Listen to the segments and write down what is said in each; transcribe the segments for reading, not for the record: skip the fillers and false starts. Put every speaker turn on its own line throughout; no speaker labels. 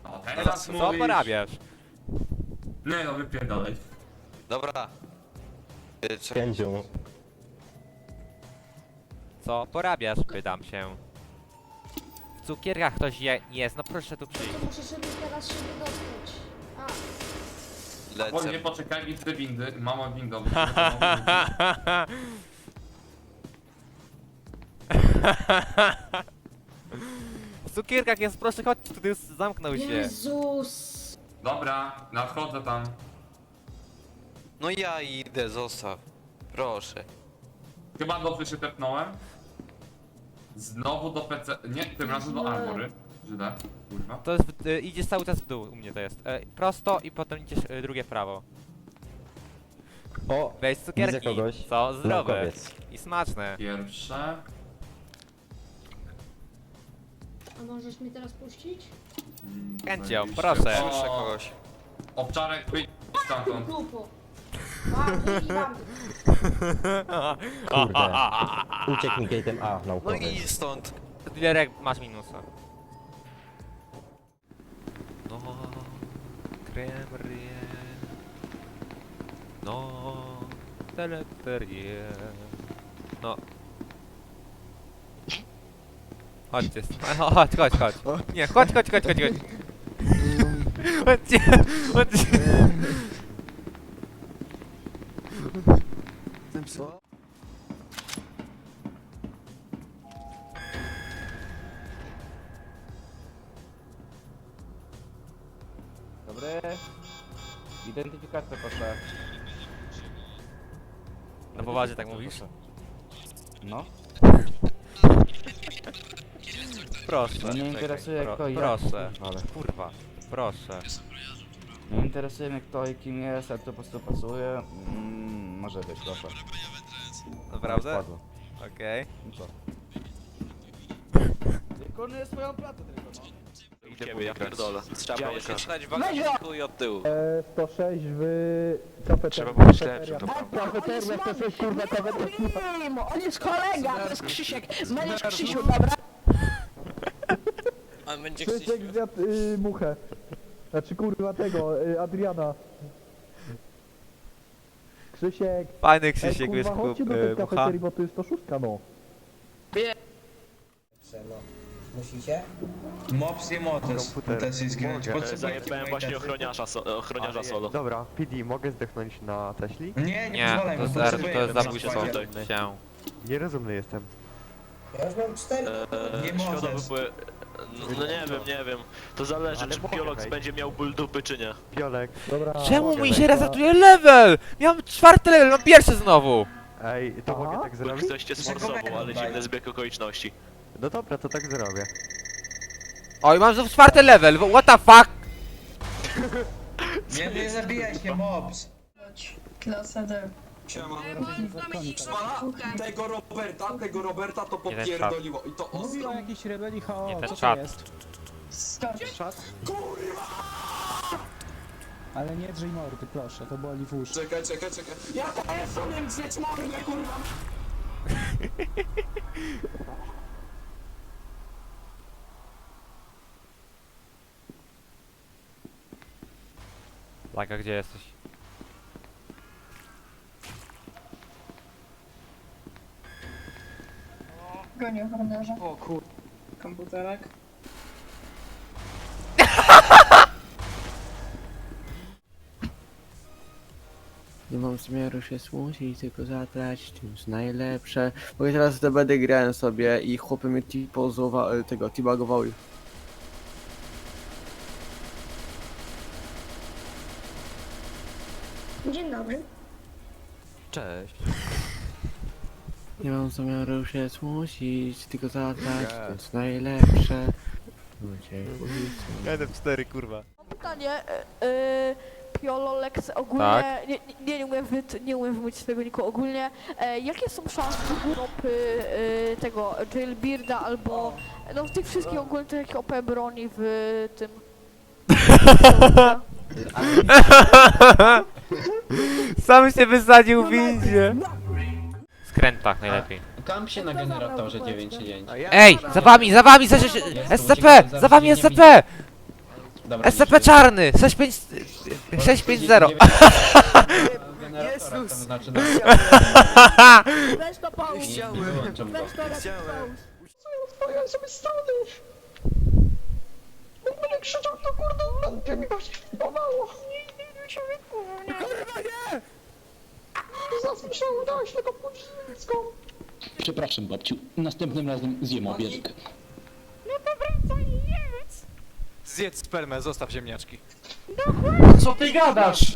O, teraz
Co
mówisz.
porabiasz?
Nie no, wypierdolaj.
Dobra.
Kędzią.
Co porabiasz? Pytam się. W cukierkach ktoś jest, no proszę tu przyjść.
To muszę sobie teraz się wydostać. A,
Bo nie
Lecę.
poczekaj, idź do windy. Mama windą.
W cukierkach jest, proszę chodź, tu już zamknął się.
Jezus!
Dobra, nadchodzę tam.
No ja idę, zostaw. Proszę.
Chyba dobrze się tepnąłem. Znowu do PC. Nie, tym razem do Armory. Źle, kurwa.
To jest, idziesz cały czas w dół, u mnie to jest. Prosto i potem idziesz drugie prawo.
O,
Weź cukierki.
widzę kogoś.
Co? Zdrowe.
Naukowiec.
I smaczne.
Pierwsze.
A możesz mnie teraz puścić?
Chęcią,
zajebiście.
proszę.
Słyszę kogoś.
Obczarek, wyjdź stamtąd.
Grupo. A, wyjebam.
Kurde. Uciekł mi gate'em A,
No
naukowiec.
i stąd.
Dilerek masz minusa. No, kremerie. No, teleperie. No. Chodźcie, chodź. Nie, chodź. Chodźcie, chodźcie.
Dobry. Identyfikacja proszę.
No poważnie tak mówisz?
No.
Proszę.
No nie interesuje kto i jak.
Proszę.
Ale
Kurwa, proszę.
nie interesuje mnie kto i kim jest, jak to po prostu pasuje. Może być, proszę.
Naprawdę?
Spadło.
Okej.
No co? Wykonuję swoją pracę tylko, no.
Idziemy, ja pierdolę. Trzeba było się stać w bagażniku i od tyłu.
106 w kafeterii.
Trzeba było śledczym, to
Kafeteria, 106 kurwa kafeteria.
On jest kolega, to jest Krzysiek. Będziesz Krzysiu, dobra?
A będzie
Krzysiek zjadł muchę. Znaczy kurwa tego, Adriana. Krzysiek.
Fajny Krzysiek, wiesz,
kurwa, chodźcie do tej
mucha.
kafeterii, bo to jest 106 no.
Musicie?
Mops nie możesz, też jest grać.
Zajebałem właśnie ochroniarza solo.
Dobra, PD, mogę zdechnąć na Teśli?
Nie,
Nie,
pozwalaj,
to
bo
jest,
potrzebuję
to jest
na
zabójstwo
składzie.
się.
Nierozumny jestem.
Ja już mam 4.
Nie możesz. No nie wiem. To zależy,
Ale
czy
mogę
biolog
wejść.
będzie miał ból dupy, czy nie.
Piolek.
Dobra.
Czemu
mogę
mi
wejść,
się
no.
resetuje level? Miałem 4. level, mam pierwszy znowu.
Ej, to mogę tak
Bo
zrobić?
ktoś cię sforsował, ale dziwny zbieg okoliczności.
No dobra, to tak zrobię.
Oj, mam znów 4. level, what the fuck?
Nie zabijaj się, Mops!
Klasa D.
Tego Roberta to
Nie ten czat.
i to ostro.
o jakiejś rebelii
Nie ten czat.
Skocz.
Ale nie drzyj mordy, proszę, to boli w uszy.
Czekaj. Ja to umiem drzeć mordę, kurwa.
Laka, gdzie jesteś?
Gonię ochroniarza.
O kur...
Komputerek.
Nie mam zamiaru się smucić, tylko zatrać, to jest najlepsze. Bo ja teraz będę grałem sobie i chłopy mnie teabagowały.
Dzień dobry.
Cześć.
Nie mam zamiaru się smucić, tylko zatrać, to jest najlepsze.
NF4, kurwa.
Pytanie, Piololex ogólnie,
Tak.
nie umiem wymówić swojego niku ogólnie, jakie są szanse grupy tego Jailbirda albo no tych wszystkich ogólnie takich OP broni w tym...
Sam się wysadził w windzie. Skrętach najlepiej.
Kamp się na generatorze 9.9.
Ej, za wami, SCP! Za wami SCP! SCP czarny! 650!
Jezus!
Weź to pałus. Weź to pałus.
Ja sobie strony! Będę krzyczał, to kurde, lampie mi właśnie pomało. Kurwa nie! Zaraz mi się udałeś tego podziemską.
Przepraszam, babciu. Następnym razem zjem obiadek.
Zjedz spermę, zostaw ziemniaczki.
Co ty gadasz?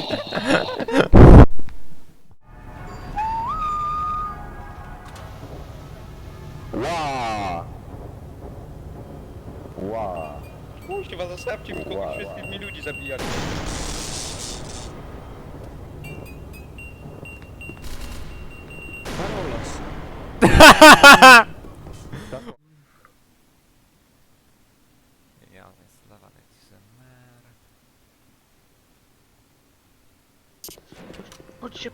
Kurwa, zostawcie mi kogoś, wszystkich mi ludzi zabijali.
Chodźcie.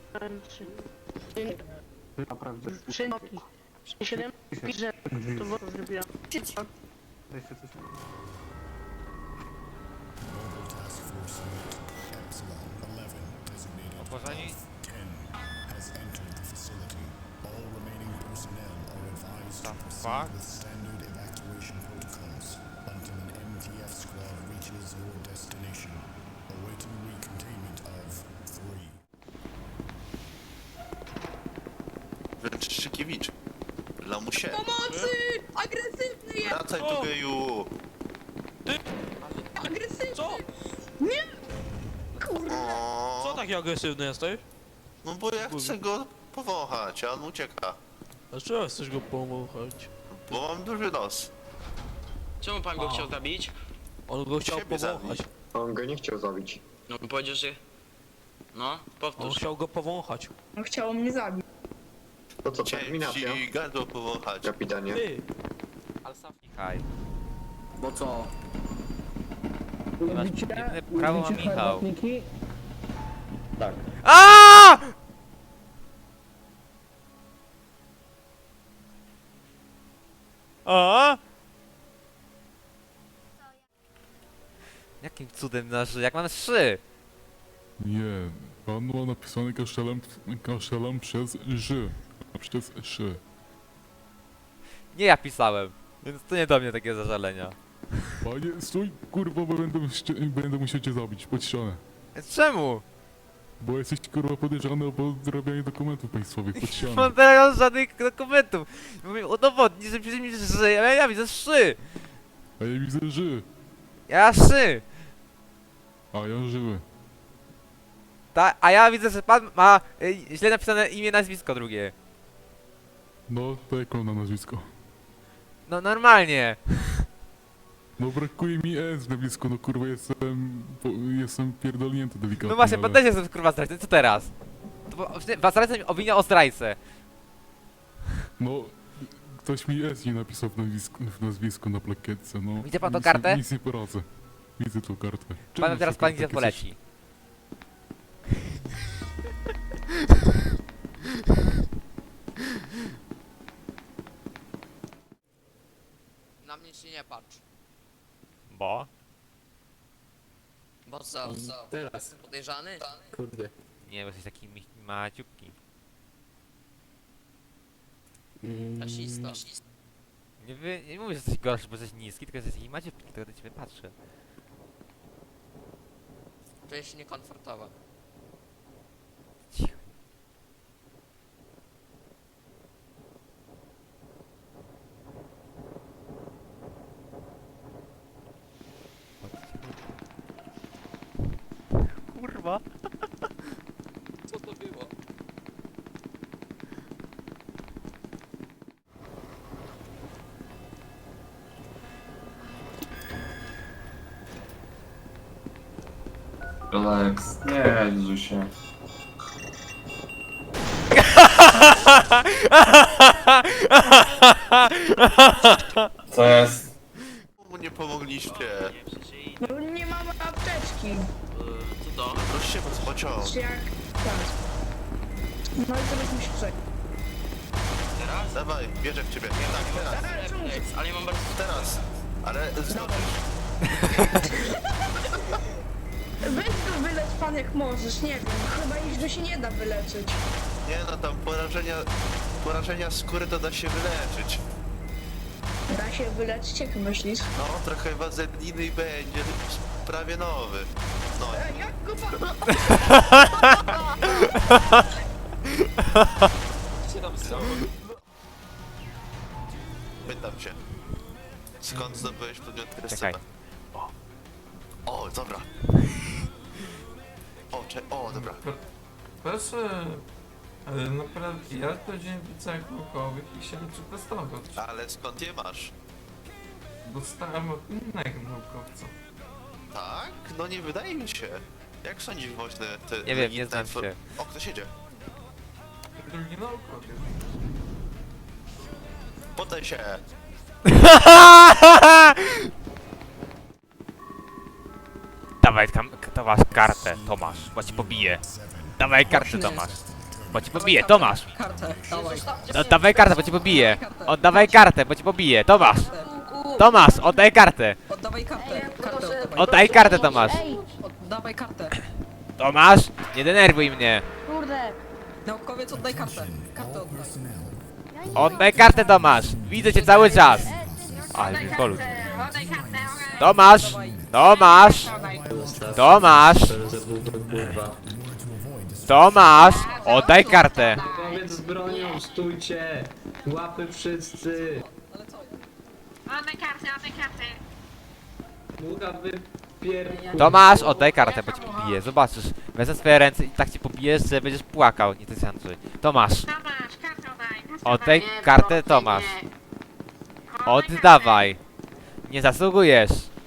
7 pisze, to było zrobiła.
Opożeni? Fuck?
Wręczykiewicz. Lamusie.
Pomocy! Agresywny jest!
Wracaj tu, geju.
Agresywny!
Co?
Kurwa!
Co
taki agresywny jesteś?
No bo ja chcę go powąchać, a on ucieka.
Dlaczego chcesz go powąchać?
Bo mam duży nos.
Czemu pan go chciał zabić?
On go chciał
Siebie
powąchać.
zabić.
On go nie chciał zabić.
No powiedział, że... No,
On
powtórz.
chciał go powąchać.
No chciało mnie zabić.
To co,
Chciałem
terminacja?
ci gardło powąchać.
Kapitanie.
Ty!
Michał.
Bo co?
Masz jedyne prawo ma Michał.
Tak.
A! A? Jakim cudem nasz, jak mam 3?
Nie, pan ma napisane kaszelem przez ż. A przez szy.
Nie ja pisałem, więc to nie do mnie takie zażalenia.
Panie, stój, kurwa, bo będę musiał cię zabić pod ścianę.
Czemu?
Bo jesteś, kurwa, podejrzany o podrabianie dokumentów państwowych pod
Nie
ścianę.
mam teraz żadnych dokumentów. Mówię, udowodnij, że pisze mi, że żyje, ale ja widzę 3.
A ja widzę ży.
Ja 3.
A ja żywy.
A ja widzę, że pan ma źle napisane imię, nazwisko drugie.
No, to jak mam na nazwisko?
No normalnie.
No brakuje mi S w nazwisku, no kurwa, jestem pierdolnięty delikatnie.
No właśnie,
ale-
pan też jest kurwa zdrajcą, co teraz? Zdrajca mi obwinia o zdrajcę.
No, ktoś mi S nie napisał w nazwisku na plakietce, no.
Widzi pan tą
Nic-
kartę?
Nic nie poradzę. Widzę tą kartę.
Pan teraz pan gdzie poleci.
Na mnie się nie patrz.
Bo?
Bo co?
Teraz.
Jestem podejrzany?
Kurde.
Nie, bo jesteś taki maciupki.
Rasista.
Nie mówię, że jesteś gorszy, bo jesteś niski, tylko jesteś taki maciupki, tylko do ciebie patrzę.
Czuję się niekomfortowo.
Cicho. Kurwa.
Co to było?
Relax, nie drży się. Co jest?
Mu nie pomogliście.
No nie mamy apteczki.
Co to?
Proszę was pociąg.
Czy jak... Tak. No i teraz musisz czekać.
Dawaj, bierze w ciebie. Tak, teraz.
Ale ja mam bardzo...
Teraz. Ale zdążysz.
Weź go wyleć pan jak możesz, nie wiem. Chyba już go się nie da wyleczyć.
Nie no, tam porażenia skóry to da się wyleczyć.
Da się wyleczyć, jak myślisz?
No, trochę wazeliny i będzie prawie nowy. No,
Jak go pan...
pytam się. Skąd zdobyłeś podmiot
Czekaj.
O, dobra. O, dobra.
Proszę, ale naprawdę, ja chodziłem w liceach naukowych i chciałem przetestować.
Ale skąd je masz?
Dostałem od innego naukowca.
Tak? No nie wydaje mi się. Jak sądzisz, Woźny?
Nie wiem, nie znam się.
O, ktoś jedzie.
Drugi naukowiec.
Poddaj się.
Dawaj Tomasz kartę, Tomasz, bo ci pobiję. Dawaj kartę, Tomasz. Bo ci pobiję, Tomasz.
Kartę, dawaj.
No, dawaj kartę, bo ci pobiję. Oddawaj kartę, bo ci pobiję, Tomasz. Tomasz, oddaj kartę.
Oddawaj kartę. Kartę oddawaj.
Oddaj kartę, Tomasz.
Ej,
Oddawaj kartę.
Tomasz, nie denerwuj mnie.
kurde.
Naukowiec, oddaj kartę. Kartę oddaj.
Oddaj kartę, Tomasz. Widzę cię cały czas. Ale mi kolu. Tomasz, Tomasz, Tomasz, Tomasz, oddaj kartę.
Naukowiec z bronią, stójcie! Łapy wszyscy!
Oddaj kartę.
Mucha wypier...
Tomasz, oddaj kartę, bo ci pobiję. Zobaczysz, wezmę swoje ręce i tak ci pobijesz, że będziesz płakał. Nie, to jest Andrzej. Tomasz,
Tomasz, kartę oddaj.
oddaj kartę, Tomasz. Oddawaj. Nie zasługujesz.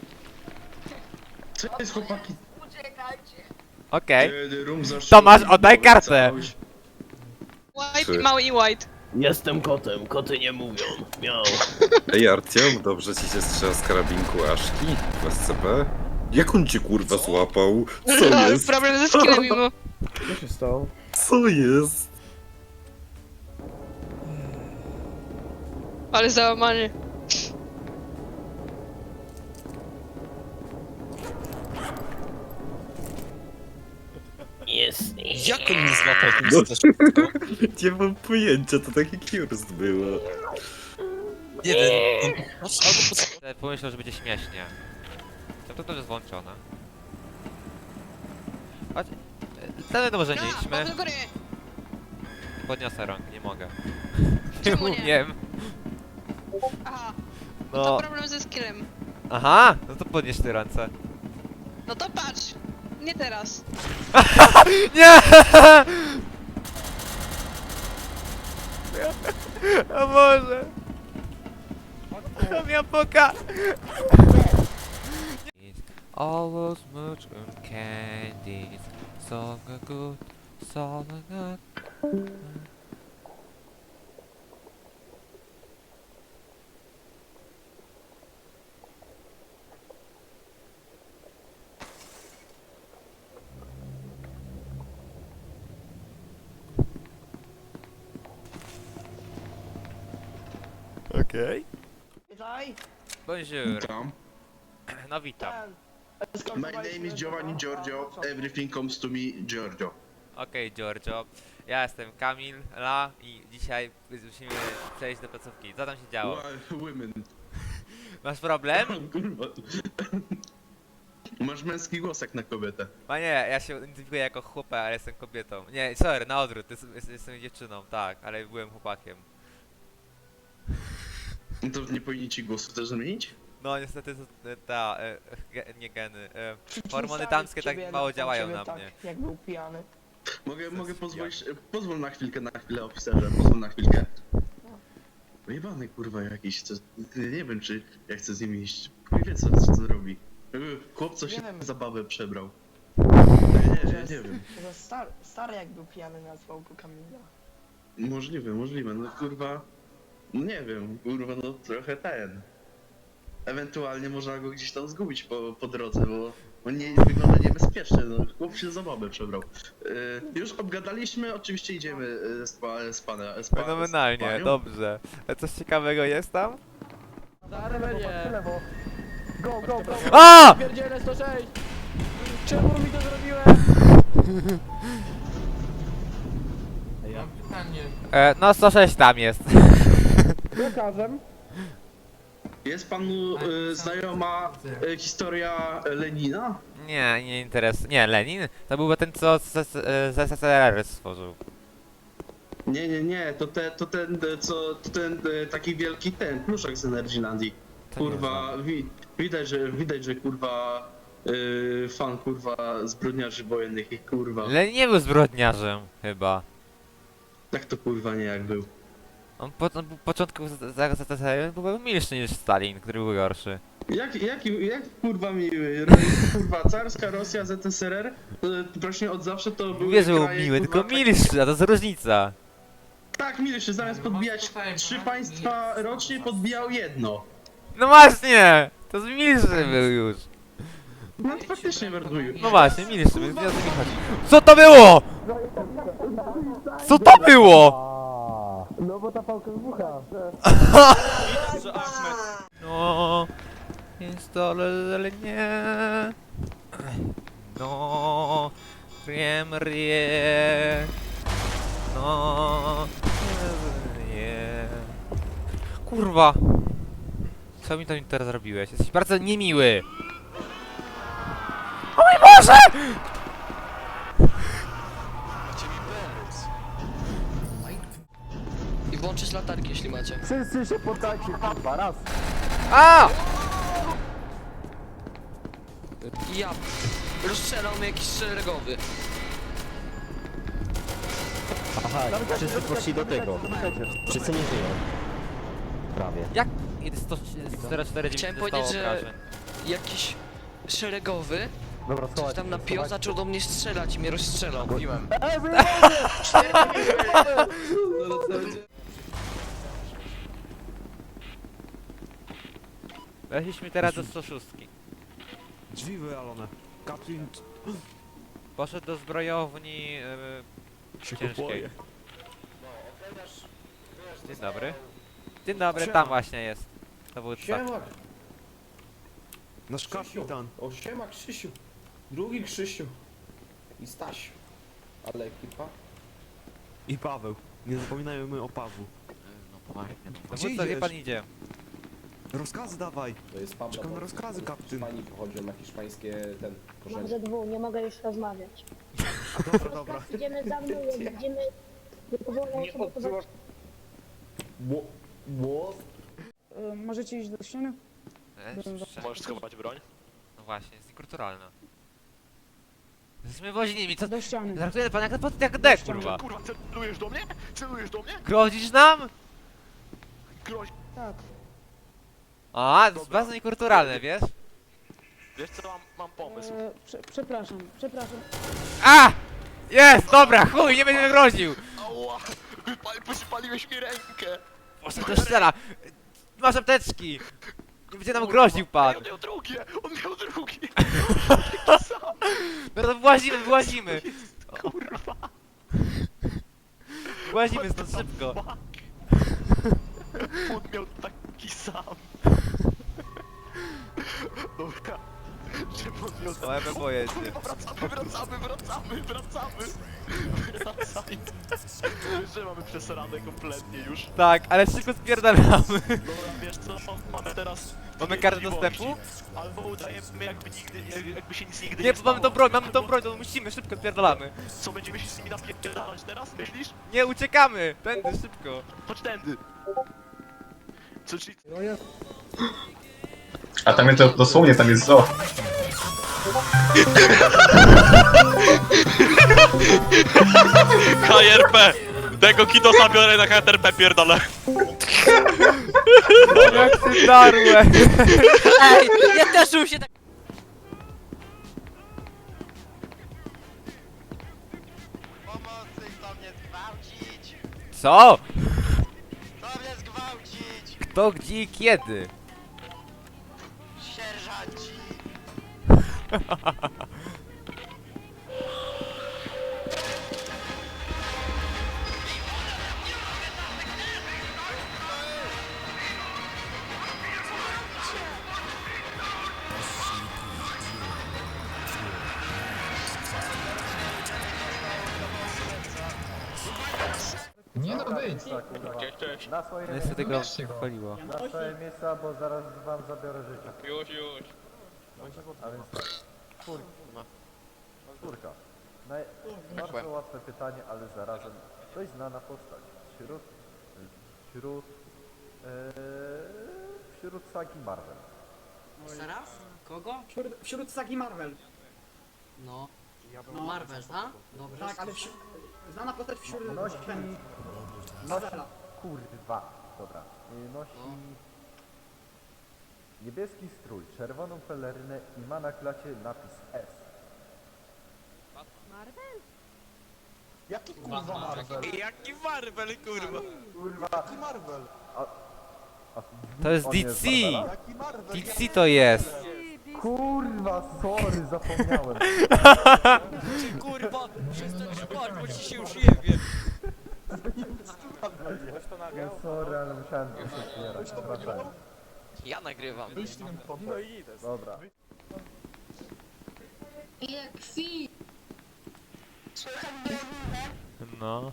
Co jest, chłopaki?
Okej. Tomasz, oddaj kartę.
White, mały i white.
Jestem kotem, koty nie mówią. Miał.
Ej Artiom, dobrze ci się strzela z karabinku Aszki w SCP? Jak on cię kurwa złapał? Co jest?
Problem ze skillem mimo.
Co się stało?
Co jest?
Ale załamany.
Jest.
Jak on mnie złapał tym
No, nie mam pojęcia, to taki kiurst było.
Nie wiem.
Pomyślał, że będzie śmiesznie. To jest włączone. Chodź. Wtedy to może nie idźmy.
do góry.
Podniosę rąk, nie mogę.
Czemu nie?
umiem.
Aha,
No.
problem ze skillem.
Aha, no to podnieś te ręce.
No to patrz. Nie teraz.
Nie! O Boże! Miał poka! Always much on candies, so good, so good. Okej. Bonjour. No witam.
My name is Giovanni Giorgio. Everything comes to me, Giorgio.
Okej, Giorgio. Ja jestem Kamil, i dzisiaj musimy przejść do placówki. Co tam się działo?
Women.
Masz problem?
Kurwa. Masz męski głos jak na kobietę.
Panie, ja się identyfikuję jako chłopak, ale jestem kobietą. Nie, sorry, na odwrót, jestem dziewczyną, tak, ale byłem chłopakiem.
No to nie powinni ci głosu też zmienić?
No niestety nie geny. Hormony damskie tak mało działają na mnie.
Jak był pijany.
Mogę pozwolić... Pozwól na chwilę oficerze, pozwól na chwilkę. Wyjebany kurwa jakiś, to, nie wiem czy ja chcę z nim iść. Chuj wie co robi. Chłop co się zabawę przebrał. Nie wiem.
Stary jak był pijany nazwał go Kamila.
Możliwe, no kurwa... No nie wiem, kurwa no trochę ten... Ewentualnie można go gdzieś tam zgubić po drodze, bo on nie wygląda niebezpiecznie, no chłop się za babę przebrał. Już obgadaliśmy, oczywiście idziemy z panem.
Fenomenalnie, dobrze. A coś ciekawego jest tam?
W lewo. Go, go, go!
A!
Pierdzielę 106! Czemu mi to zrobiłeś?
Mam pytanie.
No 106 tam jest.
Lekarzem.
Jest panu znajoma historia Lenina?
Nie, nie interesuje. Nie, Lenin? To był ten, co z SSRR stworzył.
Nie, to ten taki wielki pluszek z Energylandii.
To nie
Kurwa, widać, że kurwa fan kurwa zbrodniarzy wojennych i kurwa.
Lenin nie był zbrodniarzem, chyba.
Tak to kurwa nie jak był.
On po początku ZSRR był milszy niż Stalin, który był gorszy.
Jak kurwa miły? Kurwa, carska Rosja, ZSRR, właśnie od zawsze to były
Mówię, że był
kraje,
miły,
kurwa,
tylko milszy, a to jest różnica.
Tak, milszy, zamiast podbijać 3 państwa rocznie, podbijał jedno.
No właśnie! To jest milszy był już.
No to faktycznie werduje.
No właśnie, milszy, więc ja o to mi chodzi. Co to było?! Co to było?!
No bo ta pałka wybucha.
No, jest ale nie. No, rie. No, nie. Kurwa. Co mi to teraz zrobiłeś? Jesteś bardzo niemiły. O mój Boże!
I włączyć latarki, jeśli macie.
Wszyscy się poddajcie, kurwa, raz.
A!
Ja rozstrzelał mnie jakiś szeregowy.
Aha, wszyscy poszli do tego. Wszyscy nie żyją. Prawie.
Jak? 149
Chciałem
dostało
powiedzieć, że
obrażeń.
jakiś szeregowy
Dobra,
coś tam napił, zaczął do mnie strzelać i mnie rozstrzelał.
Mówiłem.
Weszliśmy teraz do 106.
Drzwi wywalone. Kaplin
Poszedł do zbrojowni ciężkiej. Dzień dobry. Dzień dobry, tam właśnie jest. Dowódca.
Nasz kapitan.
O siema Krzysiu. Drugi Krzysiu. I Stasiu. Ale ekipa.
I Paweł. Nie zapominajmy o Pawłu.
Dowódca, gdzie pan idzie?
Rozkazy dawaj.
To jest Pablo.
Czekam na rozkazy, kapityn.
Hiszpanii pochodzą na hiszpańskie ten
Mam
korzenie.
ze dwóch, nie mogę już rozmawiać.
Dobra, dobra.
Idziemy za mną, jak będziemy...
Możecie iść do ściany?
Możesz schować broń?
No właśnie, jest niekulturalne. Jesteśmy woźnymi, co?
Do ściany.
Traktuje pan jak D, kurwa.
Kurwa, celujesz do mnie? Celujesz do mnie?
Grozisz nam?
Groź.
Tak.
A, to jest bardzo niekulturalne, wiesz?
Wiesz co, mam pomysł.
Przepraszam.
A! Jest, dobra, chuj, nie będę groził!
Ała! Wypaliłeś mi rękę!
Boże, to strzela! Masz apteczki! Nie będzie nam groził pan!
On miał drugie! On miał drugie!
No to włazimy!
Kurwa!
Włazimy stąd szybko!
On miał taki sam! Dobra. Czemu on miał
No, ja bym boję się.
Wracamy! Wiesz, że mamy przesrane kompletnie już.
Tak, ale szybko spierdalamy.
Dobra, wiesz co? Mamy teraz...
Mamy kartę dostępu?
Albo udajemy jakby się nic nigdy
Nie,
nie
mamy tą broń, to musimy, szybko spierdalamy.
Co, będziemy się z nimi napierdalać teraz, myślisz?
Nie, uciekamy! Tędy, szybko.
Chodź tędy! Co, czyli...
A tam jest dosłownie, tam jest zoo.
KRP! Tego Kidosa biorę na KRP, pierdolę!
Jak ty darłeś!
Ej, ja też bym się tak...
Pomocy, chcą mnie zgwałcić!
Co?
Chcą mnie zgwałcić!
Kto, gdzie i kiedy?
Sierżanci!
miejsca, kurwa.
Cześć.
Na swoje
Niestety go paliło.
Na swoje miejsca, bo zaraz wam zabiorę życie.
Już.
A więc tak. Czwórka. Bardzo łatwe pytanie, ale zarazem dość znana postać. Wśród sagi Marvel.
Zaraz? Kogo?
Wśród sagi Marvel.
No. Marvel, a? Dobrze.
Tak, ale znana postać wśród...
Nosi... Kurwa. Dobra. Nosi... Niebieski strój, czerwoną pelerynę i ma na klacie napis S.
Marvel?
Jaki kurwa Marvel?
Jaki Marvel, kurwa?
Kurwa. Jaki Marvel?
To jest
on
DC!
Marvela?
DC to jest!
Kurwa, sorry, zapomniałem.
Ty kurwa, przestań szpać, bo ci się już jebie.
Ja sorry, ale musiałem to otwierać, przepraszam.
Ja nagrywam.
No i idę. Dobra.
Jak kwi.
No.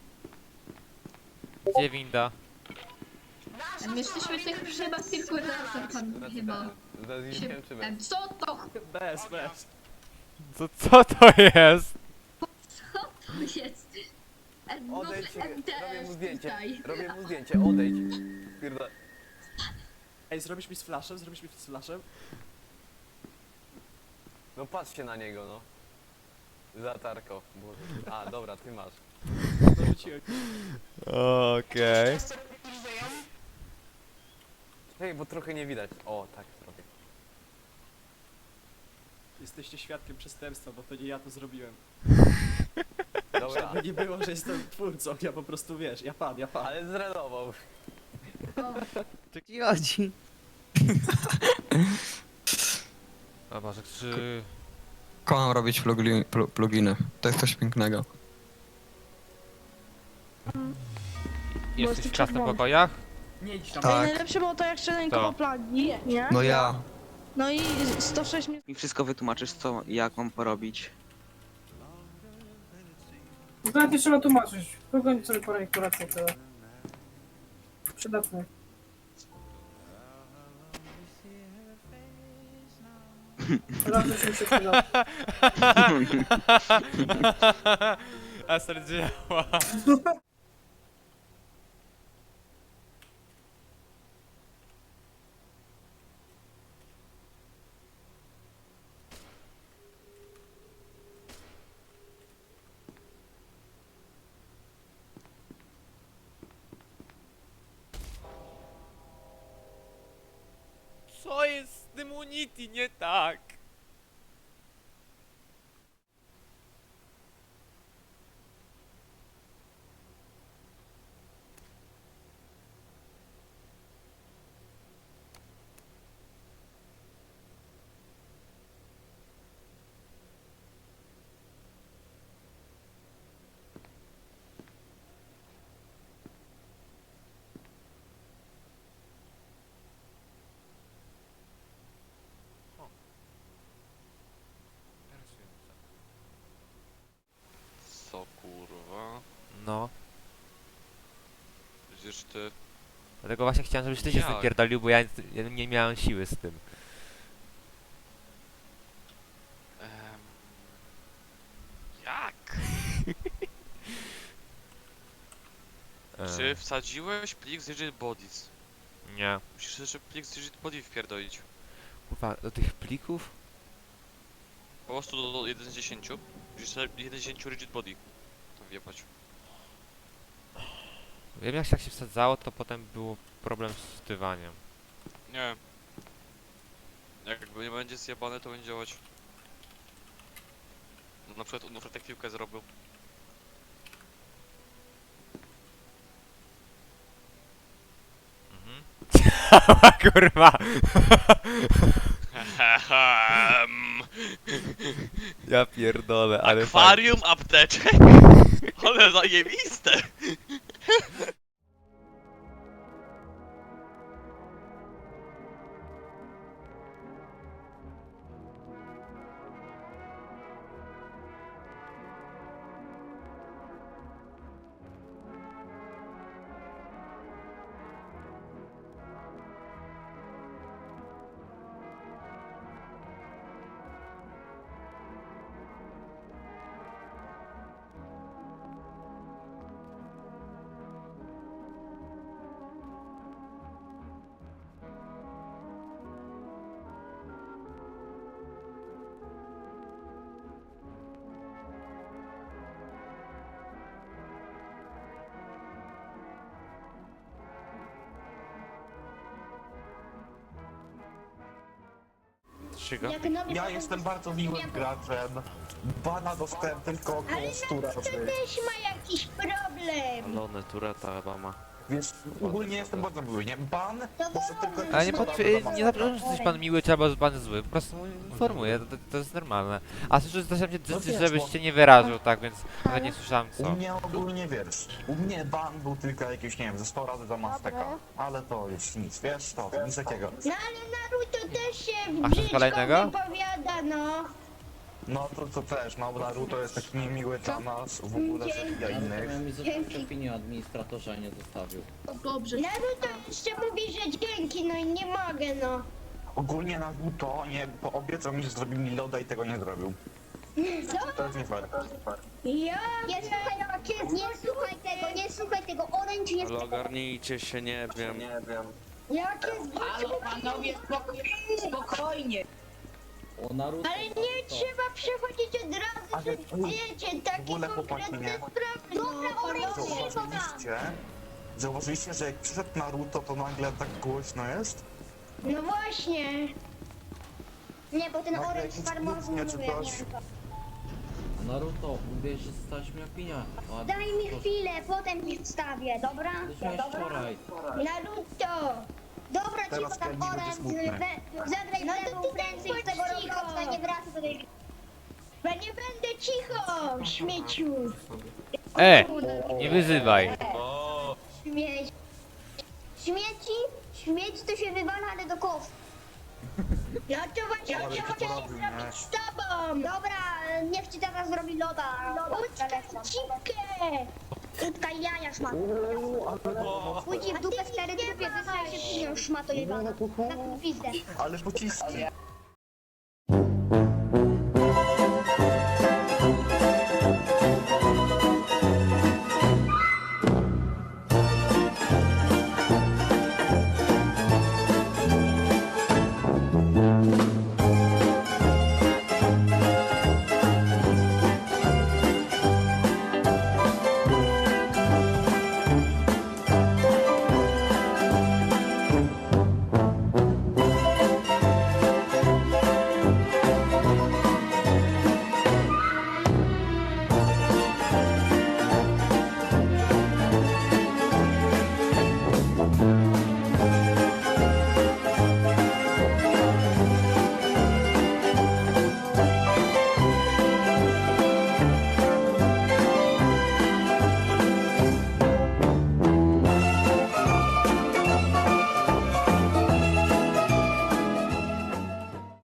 Gdzie winda?
My jesteśmy tych chyba tylko razem tam chyba. Co to?
Bez.
Co to jest?
Co to jest?
Odejdź, robię mu zdjęcie.
Tutaj.
Robię mu zdjęcie, odejdź. Pierdolę. Ej, zrobisz mi z flashem? No patrzcie na niego, no. Latarko. Boże. A, dobra, ty masz.
Okej.
Hej, bo trochę nie widać. O, tak trochę.
Jesteście świadkiem przestępstwa, bo to nie ja to zrobiłem.
Dobra,
Żeby nie było, że jestem twórcą, ja po prostu wiesz, ja pan.
ale zrenował.
Ci chodzi.
O Boże, czy...
Kocham robić pluginy. To jest coś pięknego.
Jesteś w czas na pokojach?
Nie idź tam.
Tak. Najlepsze było to jak szaleńkowo plagi, nie?
No ja.
No i 106 minut.
Mi wszystko wytłumaczysz, co, jak mam porobić.
Zdaje trzeba tłumaczyć. Pogoń sobie po rejestrację, to... Przydatne. Teraz już mi się przyda.
Aser działa. Co jest z tym Unity nie tak?
Co kurwa?
No.
Przecież ty...
Dlatego właśnie chciałem, żebyś ty się
Jak?
zapierdolił, bo ja nie miałem siły z tym.
Jak? Czy wsadziłeś plik z Rigid Bodies?
Nie.
Musisz jeszcze plik z Rigid Body wpierdolić.
Kurwa, do tych plików?
Po prostu do 1 z 10. Musisz 1 z 10 Rigid Body. To wjebać.
Wiem jak się wsadzało, to potem było problem z wtywaniem.
Nie. Jakby nie będzie zjebane, to będzie działać. No, na przykład on tak piłkę zrobił.
Kurwa! Ja pierdolę, ale
Akwarium apteczek? Ale zajebiste!
Dlaczego?
Ja jestem bardzo miłym graczem. Bana dostałem tylko około 100 razy.
Też ma jakiś problem.
Lony, Tureta chyba ma.
Więc ogólnie jestem bardzo miły, nie? Ban może tylko...
Ale nie zaprzeczam, że jesteś pan miły, czy albo pan zły, po prostu informuję, to jest normalne. A słyszę, żebyś się nie wyrażył, tak, więc nawet nie słyszałem
U
co.
mnie ogólnie wiesz, u mnie ban był tylko jakieś, nie wiem, ze 100 razy za Masteka. Ale to już nic, wiesz, to nic takiego.
No ale Naruto też się
A chcesz
brzydko
kolejnego?
wypowiada, no.
No to też, no Naruto jest taki niemiły dla nas, w ogóle zabija innych.
Miałem mi zostawić opinię o administratorze, a nie zostawił.
Dobrze. Naruto jeszcze mówi, że dzięki, no i nie mogę, no.
Ogólnie Naruto nie obiecał mi, że zrobi mi loda i tego nie zrobił. To jest nie fair.
Ja nie słuchaj tego, Orange jest...
Ale ogarnijcie się, nie wiem.
Jak jest...
Halo, panowie, spokojnie.
O Naruto.
Ale nie trzeba przechodzić od razu, że wiecie, takie
ogóle chłopaki,
konkretne
nie.
sprawy, no.
Zauważyliście, że jak przyszedł Naruto, to nagle tak głośno jest?
No właśnie. Nie, bo ten
Nagle
Orange
jakiś
farmazuje,
kłótnie czy
nie
coś.
wiem.
Naruto, mówiłeś, że zostawisz mi opinię. A
Daj mi chwilę, potem ci wstawię, dobra?
to miałeś wczoraj.
Naruto! Dobra,
Teraz
cicho tam
Kenny będzie
Orange,
smutny.
zagraj no lewą prędzej z tego robota, nie wracaj do tej... Ja nie będę cicho, śmieciu!
Nie wyzywaj.
Śmieć. Śmieci to się wywala, ale do kosza. Ja to właśnie chciałem zrobić z tobą! Dobra, niech ci teraz zrobi loda. Utkaj cipkę! Utkaj jaja, szmato. Pójdź w dupę stary trupie, wysłaj się pieniądz, szmato jebana. Na tą pizdę.
Ale pociski.